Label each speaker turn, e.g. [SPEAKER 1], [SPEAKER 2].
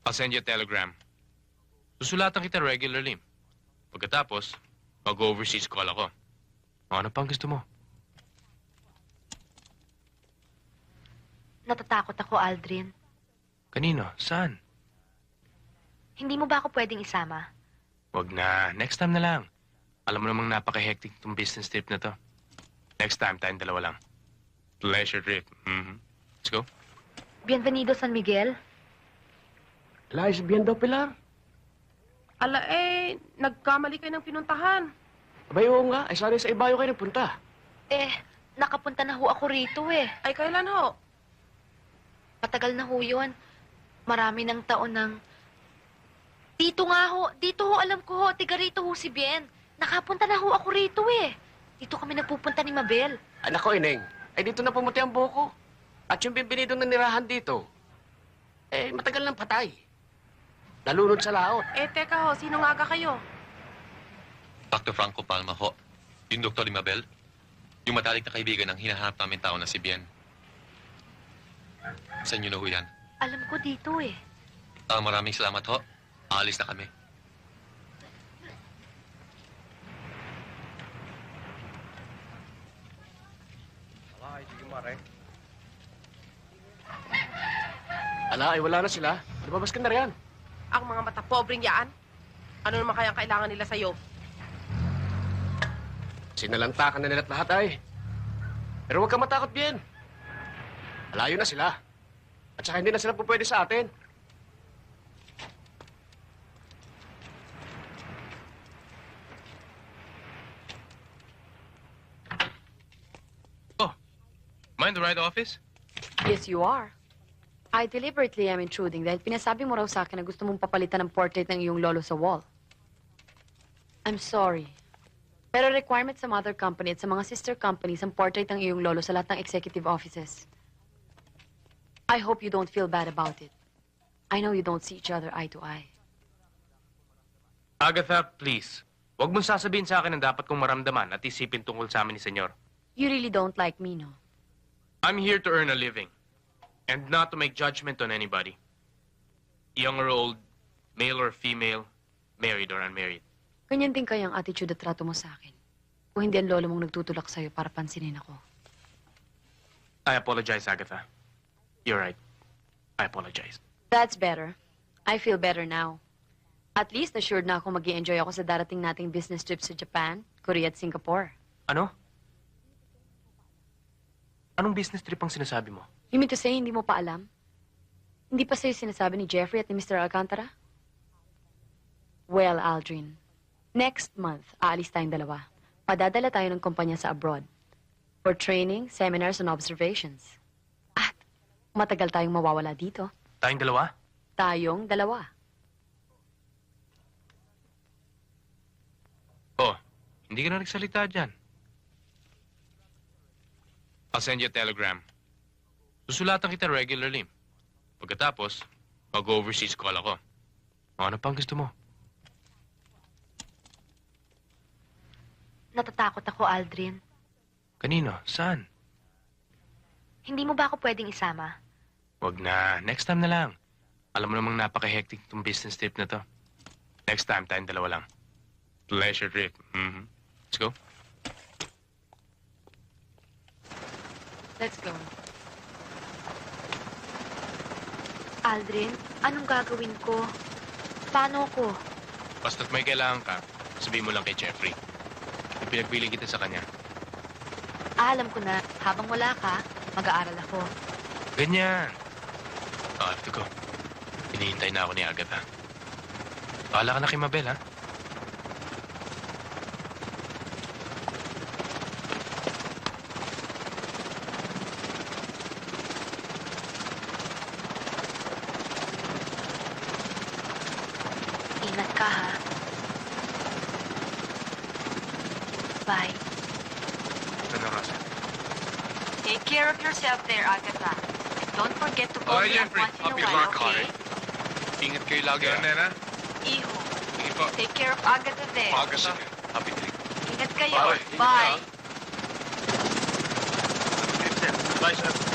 [SPEAKER 1] I'll send you a telegram. Susulatan kita regularly. Pagkatapos, mag-overseas call ako. Ano pang gusto mo?
[SPEAKER 2] Natatakot ako, Aldrin.
[SPEAKER 1] Kanino? Saan?
[SPEAKER 2] Hindi mo ba ako pwedeng isama?
[SPEAKER 1] Wag na. Next time na lang. Alam mo namang napaka-hectic itong business trip na to. Next time, tayong dalawa lang. Pleasure trip. Let's go.
[SPEAKER 2] Bienvenido, San Miguel.
[SPEAKER 3] Lies bien daw, Pilar.
[SPEAKER 4] Ala nagkamali kayo ng pinuntahan.
[SPEAKER 3] Abay, oo nga. Ay, sana sa Ibayo kayo nagpunta.
[SPEAKER 2] Nakapunta na ho ako rito eh.
[SPEAKER 4] Ay, kailan ho?
[SPEAKER 2] Matagal na ho yun. Marami ng taon ng... Dito nga ho. Dito ho, alam ko ho. Tiga rito ho si Bien. Nakapunta na ho ako rito eh. Dito kami nagpupunta ni Mabel.
[SPEAKER 3] Anak ko, Ineng. Ay, dito na pumuti ang buhok ko. At yung bimbinidong nanirahan dito, matagal nang patay. Nalunod sa laot.
[SPEAKER 4] Teka ho, sino nga aga kayo?
[SPEAKER 5] Dr. Franco Palma ho. Yung Dr. Limabel. Yung matalik na kaibigan ng hinahanap namin tao na si Bien. Sa inyo na ho yan.
[SPEAKER 2] Alam ko dito eh.
[SPEAKER 5] Maraming salamat ho. Aalis na kami.
[SPEAKER 3] Ala, ay wala na sila. Lumabas ka na riyan.
[SPEAKER 4] Ang mga mata pobreng yaan? Ano naman kayang kailangan nila sa'yo?
[SPEAKER 3] Sinalantakan na nila't lahat ay. Pero huwag kang matakot, Bien. Malayo na sila. At saka hindi na sila pupwede sa atin.
[SPEAKER 1] Mind the right office?
[SPEAKER 6] Yes, you are. I deliberately am intruding dahil pinasabi mo raw sa akin na gusto mong papalitan ng portrait ng iyong lolo sa wall. I'm sorry. Pero requirement sa mother company at sa mga sister companies ang portrait ng iyong lolo sa lahat ng executive offices. I hope you don't feel bad about it. I know you don't see each other eye to eye.
[SPEAKER 1] Agatha, please. Huwag mong sasabihin sa akin ang dapat kong maramdaman at isipin tungkol sa amin ni Senyor.
[SPEAKER 6] You really don't like me, no?
[SPEAKER 1] I'm here to earn a living and not to make judgment on anybody. Young or old, male or female, married or unmarried.
[SPEAKER 6] Ganyan din kaya ang attitude at trato mo sa akin. Kung hindi ang lolo mong nagtutulak sa'yo para pansinin ako.
[SPEAKER 1] I apologize, Agatha. You're right. I apologize.
[SPEAKER 6] That's better. I feel better now. At least assured na ako mag-i-enjoy ako sa darating nating business trip sa Japan, Korea at Singapore.
[SPEAKER 1] Ano? Anong business trip ang sinasabi mo?
[SPEAKER 6] You mean to say hindi mo pa alam? Hindi pa sa'yo sinasabi ni Jeffrey at ni Mr. Alcantara? Well, Aldrin, next month, aalis tayong dalawa. Padadala tayo ng kumpanya sa abroad. For training, seminars, and observations. At matagal tayong mawawala dito.
[SPEAKER 1] Tayong dalawa?
[SPEAKER 6] Tayong dalawa.
[SPEAKER 1] Oh, hindi ka na nagsalita dyan. I'll send you a telegram. Susulatan kita regularly. Pagkatapos, mag-overseas call ako. Ano pang gusto mo?
[SPEAKER 2] Natatakot ako, Aldrin.
[SPEAKER 1] Kanino? Saan?
[SPEAKER 2] Hindi mo ba ako pwedeng isama?
[SPEAKER 1] Wag na. Next time na lang. Alam mo namang napaka-hectic itong business trip na to. Next time, tayong dalawa lang. Pleasure trip. Let's go.
[SPEAKER 6] Let's go.
[SPEAKER 2] Aldrin, anong gagawin ko? Paano ko?
[SPEAKER 1] Basta't may kailangan ka, sabihin mo lang kay Jeffrey. Ipinagbiling kita sa kanya.
[SPEAKER 2] Alam ko na, habang wala ka, mag-aaral ako.
[SPEAKER 1] Ganyan. I have to go. Hinihintay na ako ni Agatha. Bahala ka na kay Mabel, ha?
[SPEAKER 2] Ingat ka, ha? Bye.
[SPEAKER 1] Ano, Rosa?
[SPEAKER 2] Take care of yourself there, Agatha. And don't forget to call me up once in a while, okay?
[SPEAKER 5] Ingat kayo lagi.
[SPEAKER 1] Nena?
[SPEAKER 2] Iho.
[SPEAKER 5] Sige po.
[SPEAKER 2] Take care of Agatha there.
[SPEAKER 5] Agatha. Happy trip.
[SPEAKER 2] Ingat kayo.
[SPEAKER 5] Bye.
[SPEAKER 2] Bye.
[SPEAKER 5] Bye, sir.